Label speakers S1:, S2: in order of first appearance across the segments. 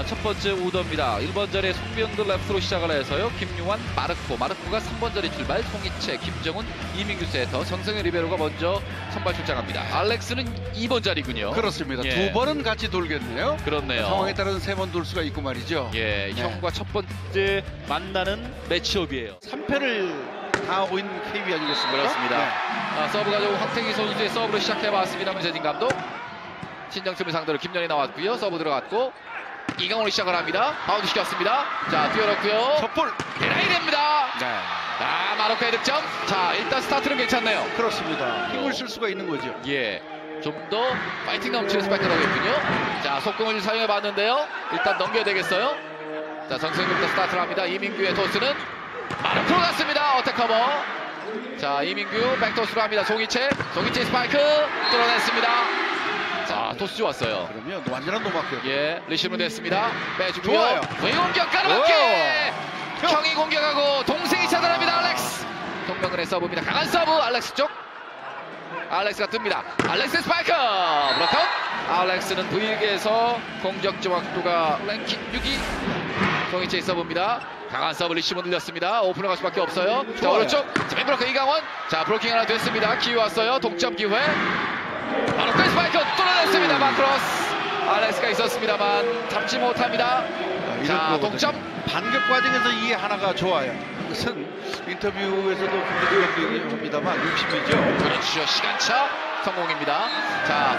S1: 첫 번째 오더입니다. 1번 자리에 송병근 레프트로 시작을 해서요. 김용환, 마르코가 3번 자리 출발, 송이채, 김정훈, 이민규 세터, 정성현 리베로가 먼저 선발 출장합니다. 알렉스는 2번 자리군요.
S2: 그렇습니다.
S1: 예.
S2: 두 번은 같이 돌겠네요.
S1: 그렇네요.
S2: 상황에 따라서 세 번 돌 수가 있고 말이죠.
S1: 예,
S2: 네.
S1: 형과 첫 번째 만나는 매치업이에요.
S2: 3패를 당하고 있는 KB 아니겠습니까?
S1: 그렇습니다.
S2: 네.
S1: 서브 가져온 황태기 선수의 서브로 시작해봤습니다. 문세진 감독. 신정철을 상대로 김연이 나왔고요. 서브 들어갔고 이강원이 시작을 합니다. 바운드 시켰습니다. 자, 뛰어넣고요.
S2: 첫볼
S1: 에라이 됩니다.
S2: 네.
S1: 아, 마로카의 득점. 자, 일단 스타트는 괜찮네요.
S2: 그렇습니다. 힘을 쓸 수가 있는 거죠.
S1: 예, 좀 더 파이팅 넘치는 스파이크가 되겠군요. 자, 속공을 사용해 봤는데요. 일단 넘겨야 되겠어요. 자, 정승규부터 스타트를 합니다. 이민규의 토스는 마르코로 갔습니다. 어택 커버. 자, 이민규 백토스로 합니다. 송이채 스파이크 뚫어냈습니다. 자, 토스 좋았어요.
S2: 그러면 완전한 노마크.
S1: 예, 리시브로 됐습니다. 빼주고요.
S2: 좋아요.
S1: 외공격 가로막기. 형이 공격하고 동생이 차단합니다. 알렉스. 송병근의 서브입니다. 강한 서브. 알렉스 쪽. 알렉스가 뜹니다. 알렉스 스파이크. 브로카웃. 알렉스는 V리그에서 공격 정확도가 랭킹 6위. 송이채의 서브입니다. 강한 서브 리시브 늘렸습니다. 오픈을 갈 수밖에 없어요. 자, 오른쪽. 자, 맨브로커 이강원. 자, 브로킹 하나 됐습니다. 기회 왔어요. 동점 기회. 바로 그 스파이크 뚫어냈습니다. 마크로스. 알렉스가 있었습니다만 잡지 못합니다. 자, 동점.
S2: 반격 과정에서 이 하나가 좋아요. 그것은 인터뷰에서도 김대중 감독이 합니다만 60이죠.
S1: 그렇죠. 시간차 성공입니다. 자,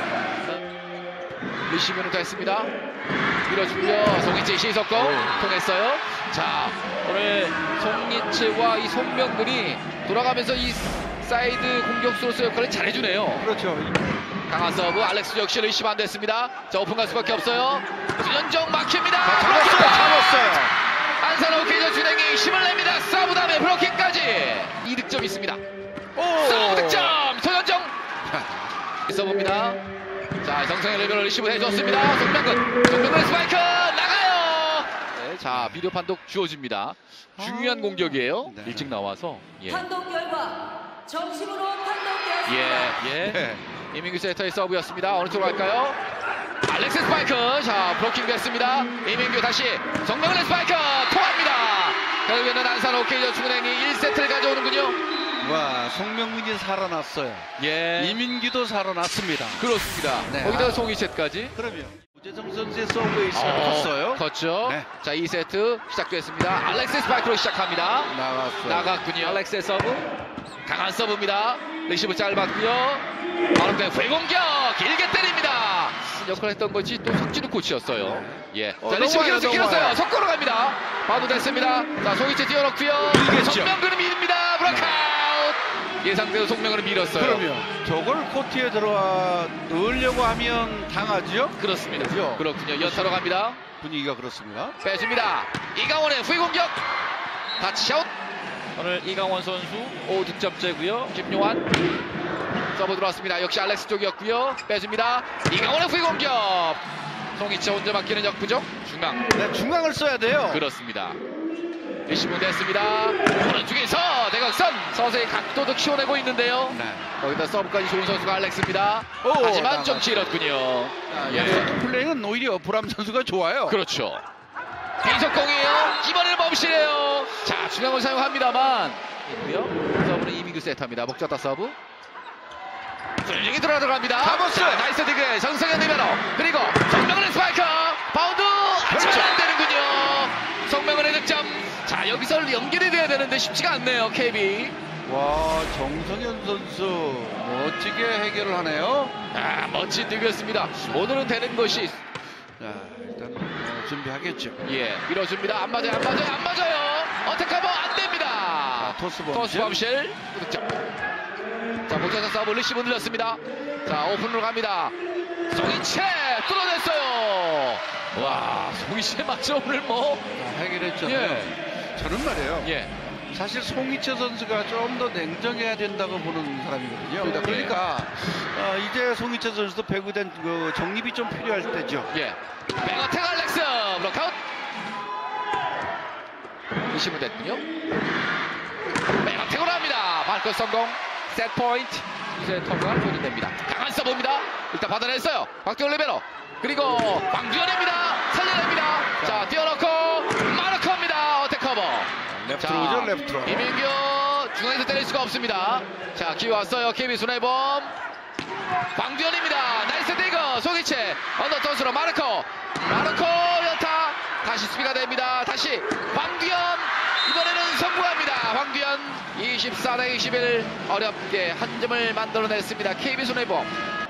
S1: 리시브는 됐습니다. 밀어주고요. 송이채 시석공 통했어요. 자, 오늘 송이채와 이 송병근이 돌아가면서 이 사이드 공격수로서 역할을 잘해주네요.
S2: 그렇죠.
S1: 강한 서브. 알렉스 역시 리시브 안 됐습니다. 자, 오픈 갈 수밖에 없어요. 수현정 막힙니다.
S2: 잡았어요.
S1: 안산호 케이저 준행이 힘을 냅니다. 서브 다음에 브로킹까지 2득점 있습니다. 서브 득점 소현정. 서브입니다. 자, 정성현 레벨을 리시브 해줬습니다. 송병근 스파이크 나가요. 네, 자, 비디오 판독 주어집니다. 중요한 공격이에요.
S2: 네.
S1: 일찍 나와서. 예.
S3: 판독 결과 정식으로 판독되었습니다.
S1: 예.
S2: 네.
S1: 이민규 세터의 서브였습니다. 어느 쪽으로 갈까요? 알렉스 스파이크. 자, 블로킹 됐습니다. 이민규 다시 정명훈의 스파이크 통합니다. 결국에는 안산 오케이저 충은행이 1세트를 가져오는군요.
S2: 와, 송명근이 살아났어요.
S1: 예,
S2: 이민규도 살아났습니다.
S1: 그렇습니다.
S2: 네.
S1: 거기다가 송이채까지.
S2: 그러면 우재성 선수의 서브에 시작을 컸어요.
S1: 컸죠.
S2: 네.
S1: 자, 2세트 시작됐습니다. 알렉스 스파이크로 시작합니다.
S2: 나갔어요.
S1: 나갔군요. 알렉스의 서브. 강한 서브입니다. 리시브 짧았고요. 바로 때 회공격 길게 때립니다. 역할을 했던 것이 또 석진우 코치였어요. 예. 자, 리시브 길었어요. 속고로 갑니다. 바도 됐습니다. 자, 송이채 뛰어넣고요. 송명근은 밀립니다. 브라카웃. 예상대로 송명근은 밀었어요.
S2: 그러면 저걸 코트에 들어와 넣으려고 하면 당하죠?
S1: 그렇습니다.
S2: 그죠?
S1: 그렇군요. 연타로 갑니다.
S2: 분위기가 그렇습니다.
S1: 빼줍니다. 이강원의 후위공격. 타치아웃. 오늘 이강원 선수 5득점째고요. 김용환 서브 들어왔습니다. 역시 알렉스 쪽이었고요. 빼줍니다. 이강원의 후위공격. 송이채 혼자 맡기는 역부족. 중앙.
S2: 네, 중앙을 써야 돼요.
S1: 그렇습니다. 리시브 됐습니다. 오른쪽에서 대각선 서서히 각도도 키워내고 있는데요.
S2: 네.
S1: 거기다 서브까지 좋은 선수가 알렉스입니다. 하지만 좀 길었군요. 예.
S2: 플레이는 오히려 브람 선수가 좋아요.
S1: 그렇죠. 비속공이에요. 이번에는 멈시래요. 자, 중앙을 사용합니다만 있고요. 서브는 이민규 세터입니다. 목 졌다 서브. 훌륭히 들어갑니다.
S2: 잡았어요.
S1: 나이스 디그 정성현 리베로. 그리고 정명훈의 스파이크. 바운드. 안 되는군요. 정명훈의 득점. 자, 여기서 연결이 돼야 되는데 쉽지가 않네요. KB.
S2: 와, 정성현 선수 멋지게 해결을 하네요.
S1: 아, 멋진 디그였습니다. 오늘은 되는 것이.
S2: 자, 일단 준비하겠죠.
S1: 예, 밀어줍니다. 안 맞아요. 어택커버 안 됩니다.
S2: 자, 토스
S1: 범실. 득점. 자, 목자사 서브 리시브 늘렸습니다. 자, 오픈으로 갑니다. 송이채 뚫어냈어요. 와, 송이채 맞죠 오늘 뭐.
S2: 자, 해결했잖아요.
S1: 예.
S2: 저는 말이에요.
S1: 예.
S2: 사실 송이채 선수가 좀 더 냉정해야 된다고 보는 사람이거든요. 그러니까 이제 송이채 선수도 배구된 그 정립이 좀 필요할 때죠.
S1: 예. 백어택 알렉스 블록아웃. 리시브 됐군요. 백어택으로 합니다. 발끝 성공. 셋 포인트. 이제 터가 조준됩니다. 강한 서브입니다. 일단 받아냈어요. 박태원 레베로. 그리고 광주현입니다. 살려냅니다. 자, 뛰어놓고 마르코입니다. 어택 커버.
S2: 레프트로 오죠, 레프트로.
S1: 이민규 중앙에서 때릴 수가 없습니다. 자, 기회 왔어요. KB 손해범. 광두현입니다. 나이스 디그. 송이채 언더토스로 마르코 연타. 다시 수비가 됩니다. 다시 광두현. 이번에는 성공합니다. 황두현 24대 21 어렵게 한 점을 만들어냈습니다. KB 손해범.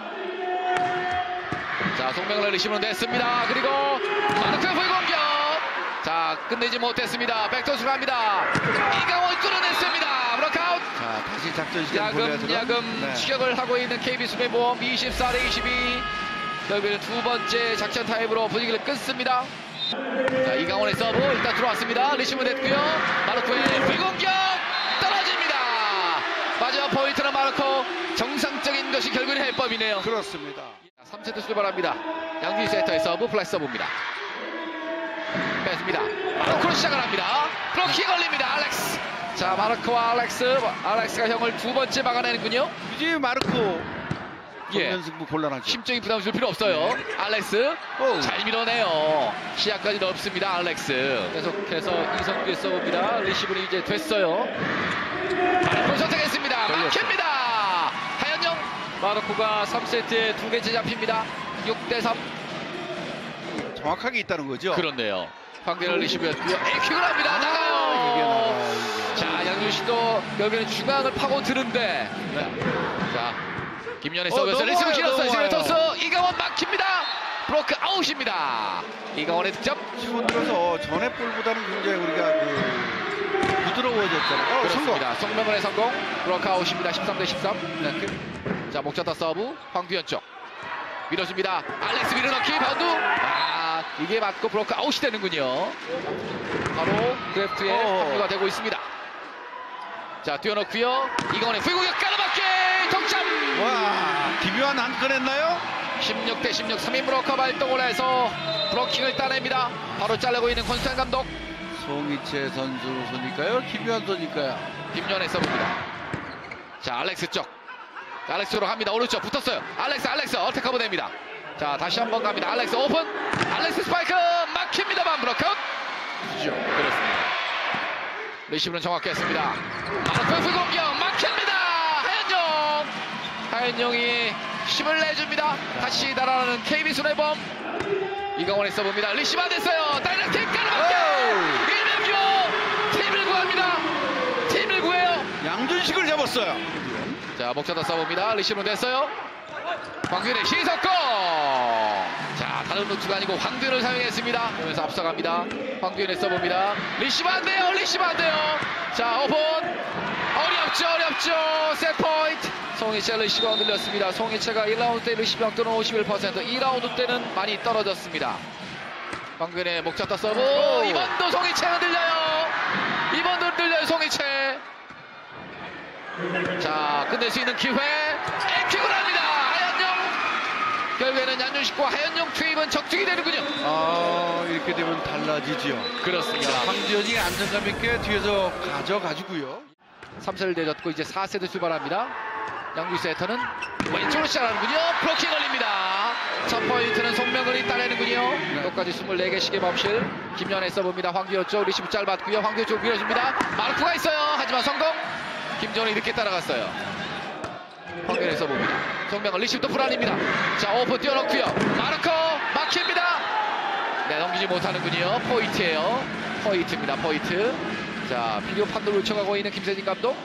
S1: 자, 송명을 리시브로 냈습니다. 그리고 마르코의 불공격. 자, 끝내지 못했습니다. 백토스 갑니다. 이강원 뚫어냈습니다. 브로크아웃.
S2: 자, 다시 작전 시간 보내야죠.
S1: 야금 추격을 하고 있는 KB 손해보험 24대 22. 결국에는 두 번째 작전 타임으로 분위기를 끊습니다. 자, 이강원의 서브 일단 들어왔습니다. 리시브 됐고요. 마르코의 불공격 떨어집니다. 마지막 포인트는 마르코. 정상적인 것이 결국은 해법이네요.
S2: 그렇습니다.
S1: 3세트 출발합니다. 양규희 세터의 서브 플래시 서브입니다. 뺐습니다. 마르코로 시작을 합니다. 블로킹 걸립니다. 알렉스. 자, 마르코와 알렉스가 형을 두 번째 막아내는군요.
S2: 이제 마르코
S1: 예.
S2: 정면승부 곤란하죠.
S1: 심적인 부담 줄 필요 없어요. 알렉스 잘 밀어내요. 시야까지 넓습니다. 알렉스. 계속해서 이성규의 서브입니다. 리시브는 이제 됐어요. 마르코 선택했습니다. 막힙니다. 하현영. 마르코가 3세트에 두 개째 잡힙니다. 6대3.
S2: 정확하게 있다는 거죠.
S1: 그렇네요. 황대열 리시브였고요. 에이킥을 합니다.
S2: 이게
S1: 나가요.
S2: 나가요.
S1: 자, 양준 씨도 결국에는 중앙을 파고드는데. 자, 김연의 서브에서 리시브 길었어요. 시리토스 이강원 막힙니다. 브로크 아웃입니다. 이강원의 득점.
S2: 치고 들어서 전에 볼보다는 굉장히 우리가 부드러워졌잖아요.
S1: 그렇습니다. 송명근의 성공. 브로크 아웃입니다. 13대 13. 자, 목자타 서브 황두현 쪽 밀어줍니다. 알렉스 밀어넣기 바운드. 아, 이게 맞고 브로크 아웃이 되는군요. 바로 그래프트에 합류가 되고 있습니다. 자, 뛰어넣고요. 이강원의 불공격 깔아맞기 동점.
S2: 와, 기묘한 한 건 했나요?
S1: 16대 16 3인 브로커 발동을 해서 브로킹을 따냅니다. 바로 자르고 있는 권수찬 감독.
S2: 송이채 선수 손일까요? 김유한 선일까요?
S1: 김연의 서브입니다. 자, 알렉스 쪽. 알렉스로 갑니다. 오른쪽 붙었어요. 알렉스 어택 커버 됩니다. 자, 다시 한번 갑니다. 알렉스 오픈. 알렉스 스파이크 막힙니다만 브로커. 그렇습니다. 리시브는 정확했습니다. 마르코의 불공격 막힙니다. 하현영이 힘을 내줍니다. 다시 달아나는 KB 손해범. 이강원의 서브입니다. 리시브 안 됐어요. 다이렉트 깔아맞게. 이명규 팀을 구합니다. 팀을 구해요.
S2: 양준식을 잡았어요.
S1: 자, 목차다 서브입니다. 리시브는 됐어요. 황규현의 시석권. 자, 다른 루트가 아니고 황규현을 사용했습니다. 그러면서 앞서갑니다. 황규현의 서브입니다. 리시브 안 돼요. 자, 오픈. 어렵죠. 셋포인트. 송이채 리시브가 흔들렸습니다. 송이채가 1라운드 때 리시브 확도는 51%, 2라운드 때는 많이 떨어졌습니다. 황규현의 목차타 서브. 이번도 송이채 흔들려요. 송이채. 자, 끝낼 수 있는 기회. 에킥을 합니다. 하현영. 결국에는 양준식과 하현영 투입은 적중이 되는군요.
S2: 이렇게 되면 달라지죠.
S1: 그렇습니다.
S2: 황두현이 안정감 있게 뒤에서 가져가지고요.
S1: 3세를 내줬고 이제 4세트 출발합니다. 양규 세터는 왼쪽으로 시작하는군요. 브로킹 걸립니다. 첫 포인트는 송명근이 따내는군요. 똑같이 24개씩의 범실. 김연의 서브입니다. 황규현 쪽 리시브 짧았고요. 황규현 쪽 밀어줍니다. 마르코가 있어요. 하지만 성공. 김정은이 늦게 따라갔어요. 황규현의 서브입니다. 송명근 리시브도 불안입니다. 자, 오픈 뛰어넣고요. 마르코 막힙니다. 네, 넘기지 못하는군요. 포인트입니다. 자, 비디오 판도를 요청하고 있는 김세진 감독.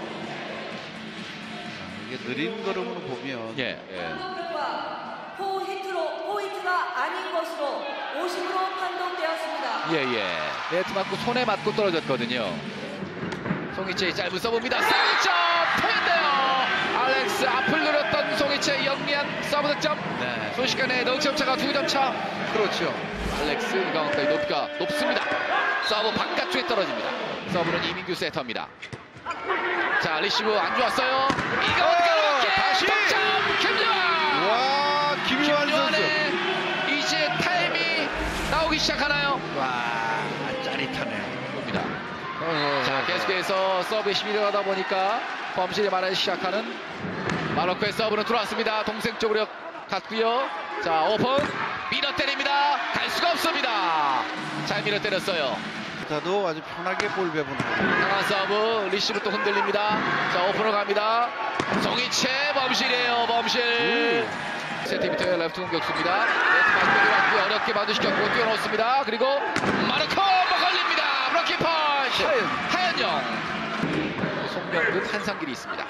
S2: 이게 느린 걸음으로 보면
S3: 결과 포인트가 아닌 것으로 50으로 판독되었습니다.
S1: 네트 맞고 손에 맞고 떨어졌거든요. 송이채의 짧은 서브입니다. 서브득점 포인트예요. 알렉스 앞을 노렸던 송이채 영리한 서브 득점.
S2: 네.
S1: 순식간에 넉점 차가 2점 차.
S2: 그렇죠.
S1: 알렉스 이강원까지 높이가 높습니다. 서브 바깥쪽에 떨어집니다. 서브는 이민규 세터입니다. 자, 리시브 안 좋았어요. 이강원
S2: 다시
S1: 득점 김유한.
S2: 와, 김유한 선수.
S1: 이제 타임이 나오기 시작하나요?
S2: 와, 짜릿하네요.
S1: 봅니다. 자, 계속해서 서브에 시비를 하다 보니까 범실이 많아지기 시작하는 마르코의 서브는 들어왔습니다. 동생 쪽으로 갔고요. 자, 오픈. 밀어 때립니다. 갈 수가 없습니다. 잘 밀어 때렸어요.
S2: 타도 아주 편하게 볼 배분을
S1: 강한 서브. 리시브 또 흔들립니다. 자, 오픈으로 갑니다. 송이채 범실이에요. 범실. 센티미터의 레프트 공격수입니다. 레프트 맞고 왔고요. 어렵게 만두시켰고 뛰어놓습니다. 그리고 마르코 걸립니다. 브로킹 펀치. 하연영. 송명근 한상길이 있습니다.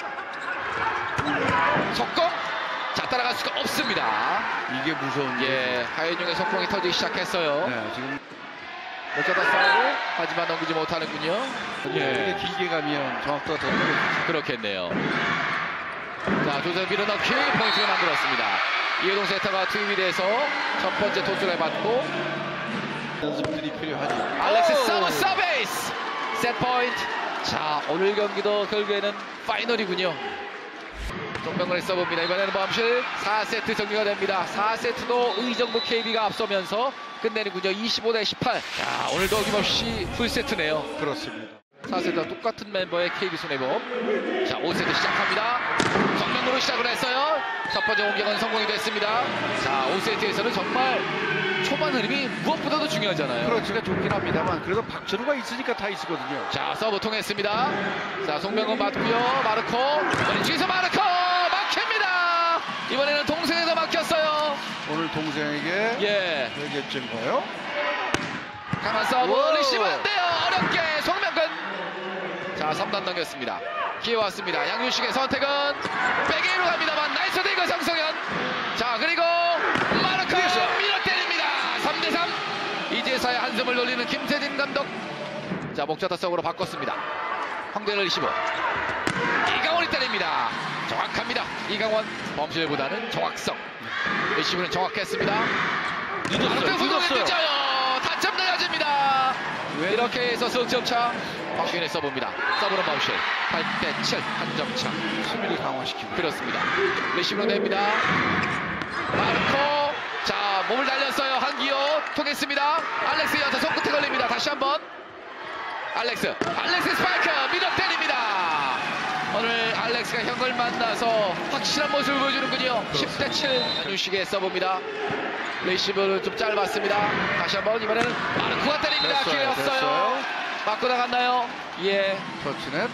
S1: 속공. 자, 따라갈 수가 없습니다.
S2: 이게 무서운
S1: 예, 하연영의 속공이 터지기 시작했어요.
S2: 네, 지금
S1: 어쩌다 싸우고 하지만 넘기지 못하는군요.
S2: 이게 길게 가면 정확도가 더 떨어지죠.
S1: 그렇겠네요. 자, 조셉 밀어넣기 포인트를 만들었습니다. 이해동 세터가 투입이 돼서 첫 번째 토스를 해봤고
S2: 연습들이 필요하죠.
S1: 알렉스 서브 서베이스 셋 포인트. 자, 오늘 경기도 결국에는 파이널이군요. 정명근의 서브입니다. 이번에는 범실 4세트 정리가 됩니다. 4세트도 의정부 KB가 앞서면서 끝내는군요. 25대18. 자, 오늘도 어김없이 풀세트네요.
S2: 그렇습니다.
S1: 4세트와 똑같은 멤버의 KB 손해범. 자, 5세트 시작합니다. 정면으로 시작을 했어요. 첫 번째 공격은 성공이 됐습니다. 자, 5세트에서는 정말 초반 흐름이 무엇보다도 중요하잖아요.
S2: 그렇지가 좋긴 합니다만 그래도 박철우가 있으니까 다 있거든요.
S1: 자, 서브 통했습니다. 자, 송명근 맞고요. 마르코. 왼쪽에서 마르코 막힙니다. 이번에는 동생에서 막혔어요.
S2: 오늘 동생에게
S1: 예,
S2: 되겠던가요?
S1: 강한 서브.
S2: 오.
S1: 리시브 안 돼요. 어렵게 송명근. 자, 3단 넘겼습니다. 기회 왔습니다. 양윤식의 선택은 백에이로 갑니다만 나이스 데이거 성성현. 자, 그리고 마르코 밀어 때립니다. 3대3. 이제서야 한숨을 돌리는 김세진 감독. 자, 목자타 서브로 바꿨습니다. 황대열 리시브. 이강원이 때립니다. 정확합니다. 이강원. 범실보다는 정확성. 리시브는 정확했습니다.
S2: 늦었어요.
S1: 타점 내야집니다. 이렇게 해서 석점차. 박규현의 서브입니다. 서브는 범실. 8대7 한 점 차.
S2: 수비를 강화시키고.
S1: 그렇습니다. 리시브로 냅니다. 마르코. 자, 몸을 날렸어요. 한기호 통했습니다. 알렉스 연타 손끝에 걸립니다. 다시 한번. 알렉스 스파이크 밀어 때립니다. 오늘 알렉스가 형을 만나서 확실한 모습을 보여주는군요. 10대7 한윤식의 서브입니다. 리시브는 좀 짧았습니다. 다시 한번. 이번에는 마르코가 때립니다. 기회 왔어요. 맞고 나갔나요? 예.
S2: 터치넷.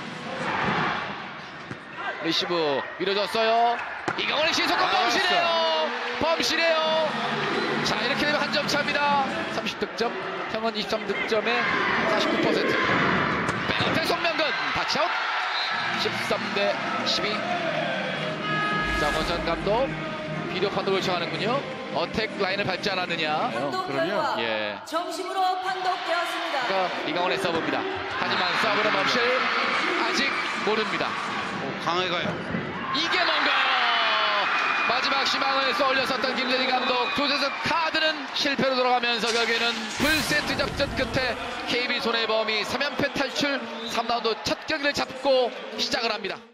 S1: 리시브 밀어줬어요. 이강원의 신속한 범실이에요. 범실이에요. 자, 이렇게 되면 한 점 차입니다. 30득점, 형은 23득점에 49%. 백업대 송명근 타치아웃. 13대12. 자, 원선 감독 비디오 판독을 요청하는군요. 어택 라인을 밟지 않았느냐.
S3: 판독
S2: 그럼요.
S3: 결과
S1: 예.
S3: 정심으로 판독되었습니다.
S1: 그러니까 이강원의 서브입니다. 하지만 서브는 범실 아직 모릅니다.
S2: 강하게 가요.
S1: 이게 뭔가요? 마지막 희망을 쏘올렸었던 김재진 감독. 조재석 카드는 실패로 돌아가면서 결국에는 풀세트 접전 끝에 KB 손해범이 3연패 탈출 3라운드 첫 경기를 잡고 시작을 합니다.